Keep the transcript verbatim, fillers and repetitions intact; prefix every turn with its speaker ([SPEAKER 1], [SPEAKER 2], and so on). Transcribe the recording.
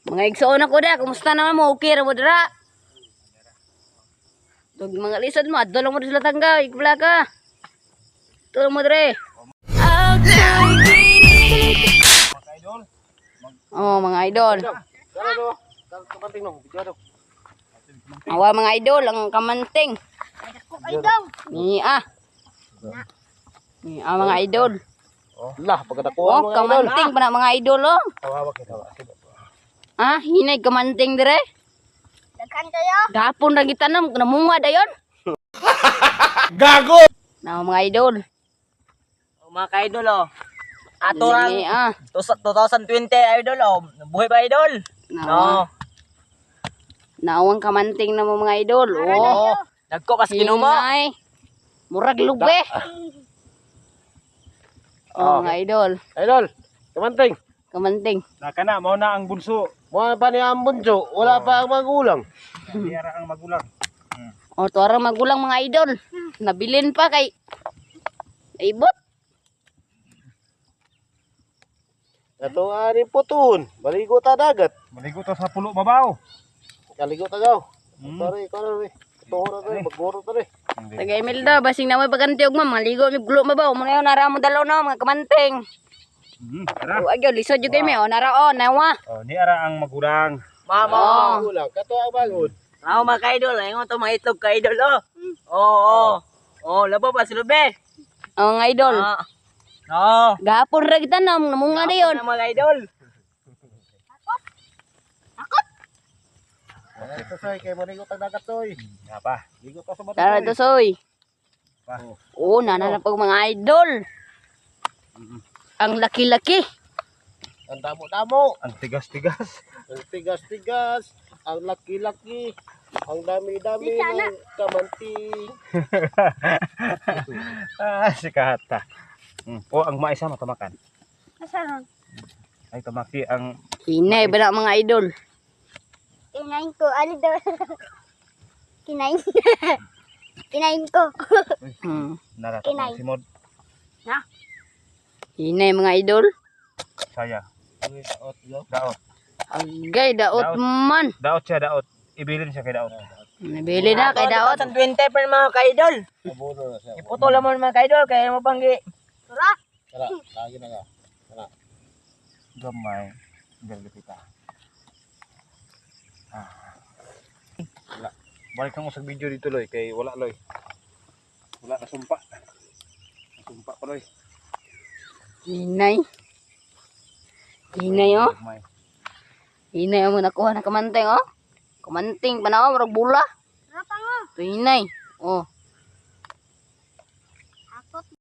[SPEAKER 1] Mga igsoon ako da, kumusta naman mo? Okay ra mo dira? Tug mga lisod mo, adto lang mo sila tangga, ikbla ka. Tulong mo dire. Oh, mga idol. Awa mga idol, ang kamanting. Ni ah. Ni ah mga idol.
[SPEAKER 2] Lah, pagkatako
[SPEAKER 1] Oh, kamanting pa na mga idol oh.
[SPEAKER 2] Tawa kita.
[SPEAKER 1] Ah, hinay kamanting dire.
[SPEAKER 3] Daghan kayo.
[SPEAKER 1] Gapon ra gitanam, namunga dayon.
[SPEAKER 2] Gago!
[SPEAKER 1] Na mga idol.
[SPEAKER 4] Oh, mga ka-idol oh. Ato lang
[SPEAKER 1] Ni ah.
[SPEAKER 4] twenty twenty idol oh. Buhay pa idol.
[SPEAKER 1] No.
[SPEAKER 4] No.
[SPEAKER 1] Naawang kamanting na mo mga idol. Oh.
[SPEAKER 4] Nagko pas ginumo.
[SPEAKER 1] Hinay. Murag lube. Oh, mga idol.
[SPEAKER 2] Idol, kamanting.
[SPEAKER 1] Kamanting.
[SPEAKER 5] Naka na, mao na ang bunso.
[SPEAKER 2] Mga pa ni ang bunso, wala pa ang magulang.
[SPEAKER 5] Biyara ang magulang.
[SPEAKER 1] O, tuwarang magulang mga idol. Nabilin pa kay... Ibot.
[SPEAKER 2] Ito nga rin putuhon, baligo ta dagat.
[SPEAKER 5] Maligo to sa pulo mabaw.
[SPEAKER 2] Kaligo ta gaw.
[SPEAKER 5] Hmm.
[SPEAKER 2] Tari, ikaw na rin. Putuhon na rin, maguro ta rin.
[SPEAKER 1] Taga Imelda, basing na may paganti og ma'am. Maligo mi gulo mabaw. Muna yun, nara mo dalaw na mga kamanting.
[SPEAKER 5] Hmm, tara.
[SPEAKER 1] O, agyo, lisod yun kayo may. O, nara o, nawa.
[SPEAKER 5] Oh, ni ara ang magulang.
[SPEAKER 4] Mama.
[SPEAKER 1] Oh.
[SPEAKER 2] Magulang, kato ang bagod.
[SPEAKER 4] Ako mga ka-idol, ayun to mga itlog ka-idol oh. Oo, oh, oh. Oh, labo pa si Lube.
[SPEAKER 1] O, mga idol.
[SPEAKER 4] Ah. Oo.
[SPEAKER 1] Gapon ra kita na, namunga na yun.
[SPEAKER 4] Ako na mga idol.
[SPEAKER 2] Ito soy, kay marigo ta dagat soy.
[SPEAKER 5] Nga pa.
[SPEAKER 2] Ligo ta sa bato.
[SPEAKER 1] Tara to, soy.
[SPEAKER 5] Pa.
[SPEAKER 1] Oo, nana na pag mga idol. Ang laki-laki.
[SPEAKER 2] Ang damo-damo,
[SPEAKER 5] Ang tigas-tigas.
[SPEAKER 2] ang tigas-tigas, ang laki-laki, ang dami-dami ng kamanting.
[SPEAKER 5] Ah, si Kahata. Hmm. Oh, ang maisa matamakan.
[SPEAKER 3] Asaron?
[SPEAKER 5] Ay, tamaki ang...
[SPEAKER 1] Hinay ba na mga idol?
[SPEAKER 3] Kinain ko. Ano daw? Kinain. Kinain ko.
[SPEAKER 1] Hmm.
[SPEAKER 5] Narato
[SPEAKER 3] Kinay.
[SPEAKER 5] si Mod.
[SPEAKER 1] Hinay mga idol.
[SPEAKER 5] Saya.
[SPEAKER 2] Daot, yo.
[SPEAKER 5] Daot.
[SPEAKER 1] Agay, daot
[SPEAKER 5] Daot.
[SPEAKER 1] man.
[SPEAKER 5] Daot siya, daot. Ibilin siya kay daot.
[SPEAKER 1] Nabili na kay daot.
[SPEAKER 4] twenty twenty pa mga ka-idol.
[SPEAKER 2] Abono na siya.
[SPEAKER 4] Iputo lang mo mga ka-idol, kaya mo panggi.
[SPEAKER 3] Tara.
[SPEAKER 2] Tara, lagi na ka. Tara.
[SPEAKER 5] Gamay. Galit kita. Ah. Wala. Balik kang usag video dito, Loy. Kay wala, Loy. Wala, nasumpa. Nasumpa pa, Loy.
[SPEAKER 1] Hinay. Hinay oh.
[SPEAKER 5] Gamay.
[SPEAKER 1] Hinay mo nakuha na kamanting oh. Kamanting pa na oh, marag bula.
[SPEAKER 3] Tara pa nga.
[SPEAKER 1] Ito hinay. Oh.